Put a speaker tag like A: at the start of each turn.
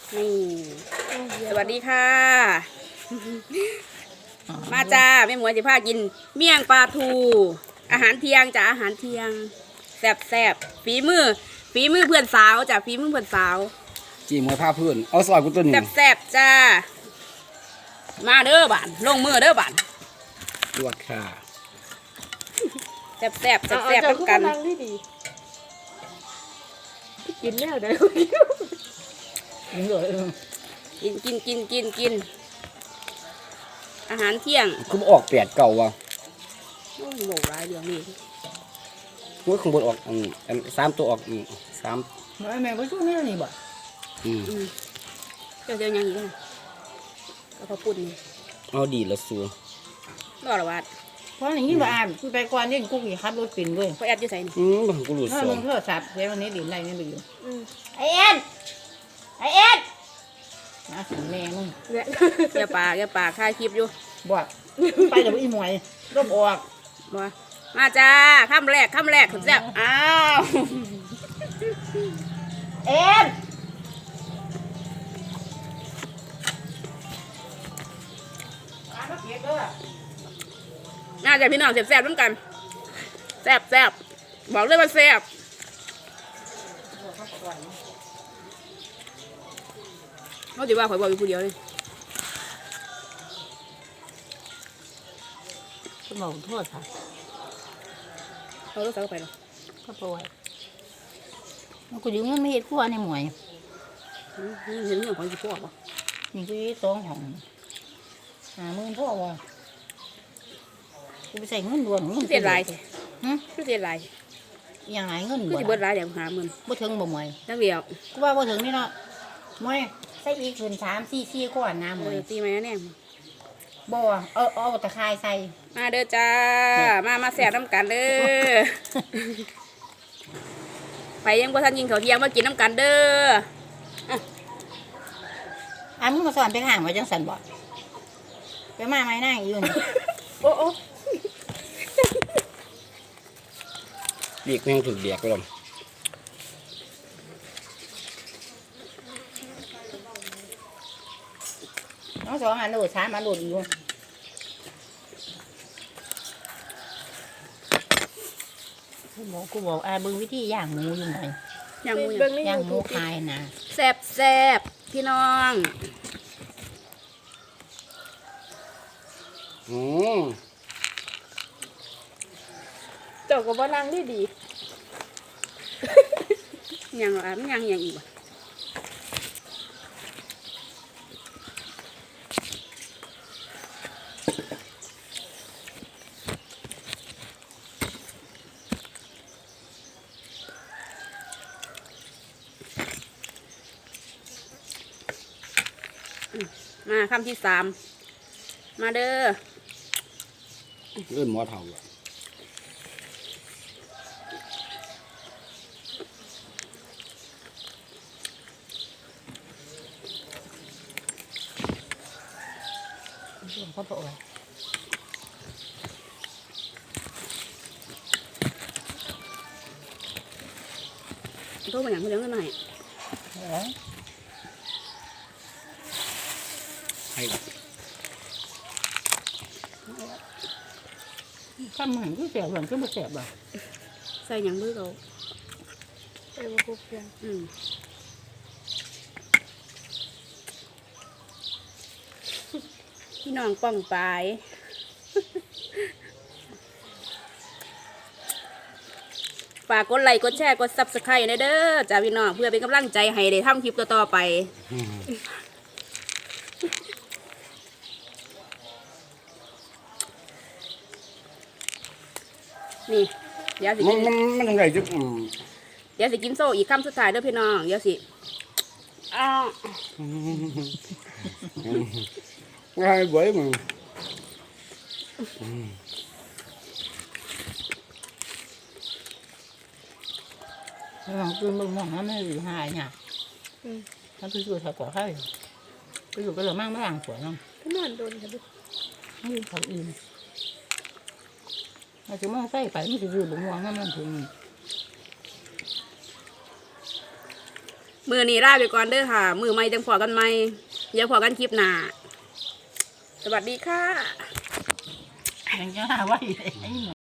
A: นี่สวัสดีค่ะ มาจ้าแม่หมวยจะพากินเมี่ยงปลาทูอาหารเที่ยงจ้าอาหารเที่ยงแซ่บฝีมือเพื่อนสาวจ้าฝีมือเพื่อนสาว
B: จีมวยผ้าพื้นเอาซอยกูตัวหนึ่ง
A: แซ่บจ้ามาเด้อบ้านลงมือเด้อบ้าน
B: ลวกค่ะ
A: แซ่บต้องกัน
C: กินแนวใดกินเลย
A: กินอาหารเที่ยง
B: คือออกแปดเก่าวะ
A: โอ้โหโหร้ายเดี๋ยวนี้
B: มวยข้างบนออกสามตัวออกสาม
C: แม่ก็ช่วงนี้นี่บ่
A: เจ้ายังอีกนะก็พอปุ่นนี่
B: เอาดีละสู
A: รอดละวัด
C: เพราะอย่างนี้บ่อ่านคุยไปก่อนนี่กูขี่ขับรถปิ่นเว้ย
A: พอแอดอยู่ใส่นี่
B: บางกูรู้
C: ถ้า
B: สอ
C: มึ
B: ง
C: งโทรศัพท์เดี๋ยววันนี้ดินไรนี่ดูอยู่
A: ไอเอ็น
C: นะสิแม่มึง
A: แกปากถ่ายคลิปอยู่
C: บ่ไปเดี๋ยวอีหมวยรบออก
A: บ่มาจ้าข้ามแรกสุดแซ่บอ้าว
C: เอ็น
A: น่าจะพี่น้องแซ่บๆร่วมกันแซ่บบอกเลยว่าแซ่บเขาถือว่าข่อยบอกอยู่ผู้เดียวเลย
C: สมองโทษค่ะ
A: เขาต้องใส่เข้าไปหรอ
C: ก็ปล่อยมันกูยืมเงินไม่เห็นขั้วในหมวย
A: เห็นเรื่องของสิพวกป่ะ
C: นี่กูยืมสองของ50,000พ่อว่ะกูไปใส่เงินด่วนเงิน
A: เสียรายใช่
C: ฮะ
A: เสียราย
C: ยังไงเงิน
A: คือ
C: บ่
A: สิเบิดรายเดี๋ยว50,000
C: บ่ถึงบ่หมวย
A: นักเดียว
C: กูว่าบ่ถึงนี่เนาะมวยใส่อีกขึ้น3-4ก่อนนะหมวย
A: ตีไหมเนี่ย
C: บ่เอาตะไคร้ใส่
A: มาเด้อจ้ามาแซ่บน้ำกันเด้อไปยังบ่ทันยิงเขาเที่ยงมากินน้ำกันเด้อ
C: มึงมาสอนไปห่างไว้จังสันบ่ไปมาไหมนั่งอยู่นี่
A: โอ้
B: เบียกแม่งถึกเบียกไปแล้ว
C: น้อง2 อันโหลด3 อันโหลดอยู่กูบอกเบิ่งวิธีย่างหมูอยู่หน่อย
A: ยังมู
C: ย่างหมูคายนะ
A: แซ่บพี่น้อง
D: เจ้าก็บ่นั่งดี
A: ยังเหรอมันยังอีกบ่มาคำที่3มาเด้อ
B: เริ่มหมอเท่าอ่ะ
C: เขาบอกว่า
A: โทษมาอย่างเขาเลี้ยงกันหน่อย
B: ให้
C: ข้ามหันก็แสบหลังก็บ่แสบบ่
A: ใส่หยังมือเขา
D: ๆไปบ่ครบเพียง
A: พี่น้องป้องปลายฝากกดไลค์กดแชร์กด Subscribe นะเด้อจ้าพี่น้องเพื่อเป็นกำลังใจให้ได้ทำคลิปต่อๆไปนี่เดี๋ยวสิกิน
B: มันยังไงจุ๊บ
A: เดี๋ยวสิกินโซ่อีกคำสุดท้ายเด้อพี่น้องเดี๋ยวสิอ้าว
B: ง่ายบ่อยมึง
C: หลังตื่นบ่มองมันไม่อยู่หายเนี่ยถ้าไปอยู่ถ้าก่อไข่ไปอยู่ก็เลยมั่งไม่ล้างสวยน้อง
D: ก็นอนโดนค่ะลูก
C: นี่เขาอิ่มอาจจะมั่งใส่ไปมันจะอยู่บ่ม่วงนั่นมันถึง
A: มือนี้ลาไปก่อนเด้อค่ะ มือใหม่จังพอกันใหม่เดี๋ยวพอกันคลิปหน้าสวัสดีค่ะ
C: ยังจะหาว่าไอ้